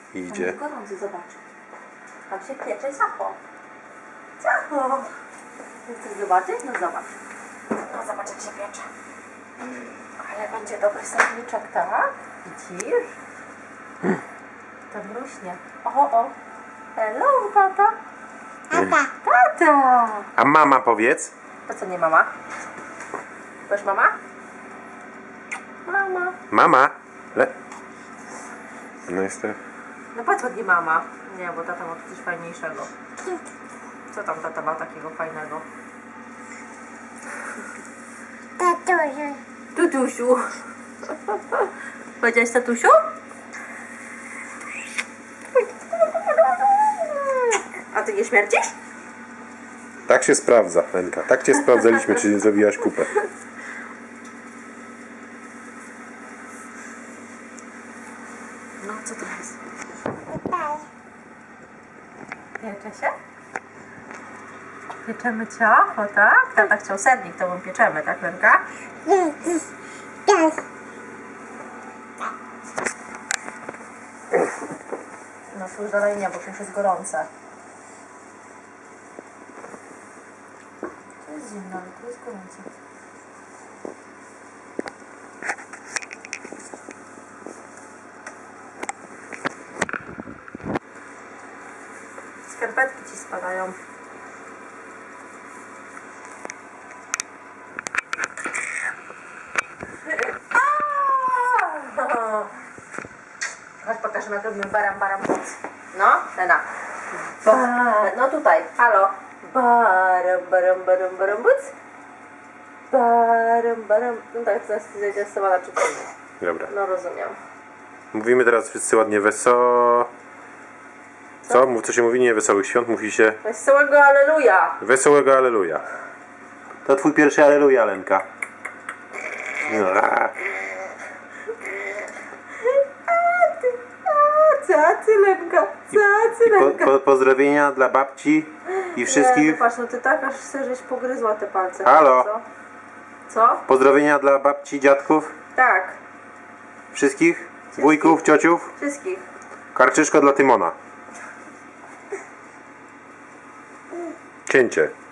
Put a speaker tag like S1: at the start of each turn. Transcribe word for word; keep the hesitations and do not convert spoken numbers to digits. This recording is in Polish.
S1: Idzie.
S2: Jest gorący, zobacz. Tam się piecze ciacho. Ciacho. Chcesz zobaczyć? No zobacz. No zobacz, jak się piecze. Ale będzie dobry serniczek, tak? Widzisz? To mruśnie. O, o. Hello, tata. Tata. Tata.
S1: A mama powiedz?
S2: To co, nie mama? Powiesz mama? Mama.
S1: Mama? Le... No jest to...
S2: No patrz, ładnie mama. Nie, bo tata ma tu coś fajniejszego. Co tam tata ma takiego fajnego?
S3: Tatusiu.
S2: Tutusiu. Powiedziałeś tatusiu? A ty nie śmierdzisz?
S1: Tak się sprawdza, Lenka. Tak cię sprawdzaliśmy, czy nie zrobiłaś kupę.
S2: No, co to jest?
S3: Tutaj.
S2: Piecze się? Pieczemy ciacho, tak? Tata chciał sernik, to my pieczemy, tak, Lenka?
S3: Tak.
S2: No, spójrz dalej nie, bo to już jest gorące. To jest zimno, ale to jest gorące. Skarpetki ci spadają. Chodź, pokażemy, jak robimy baram, baram, buc. No, Lena. Ba no tutaj, halo. Baram, baram, baram, baram, buc. Baram, baram. No tak, zaraz zejdzie sama na czytanie.
S1: Dobra.
S2: No, rozumiem.
S1: Mówimy teraz wszyscy ładnie wesoło. Co? Mów, co się mówi? Nie wesołych świąt, mówi się
S2: Wesołego Alleluja.
S1: wesołego Alleluja. To twój pierwszy Alleluja, Lenka. No, a.
S2: Cacy, Lenka, cacy,
S1: Po,
S2: Lenka.
S1: po, pozdrowienia dla babci i
S2: Nie,
S1: wszystkich.
S2: no patrz, no ty tak aż chcesz, żeś pogryzła te palce.
S1: Halo?
S2: Co? Co?
S1: Pozdrowienia dla babci, dziadków,
S2: Tak,
S1: wszystkich, wujków, ciociów.
S2: wszystkich.
S1: Karczyszko dla Tymona. Cięcie.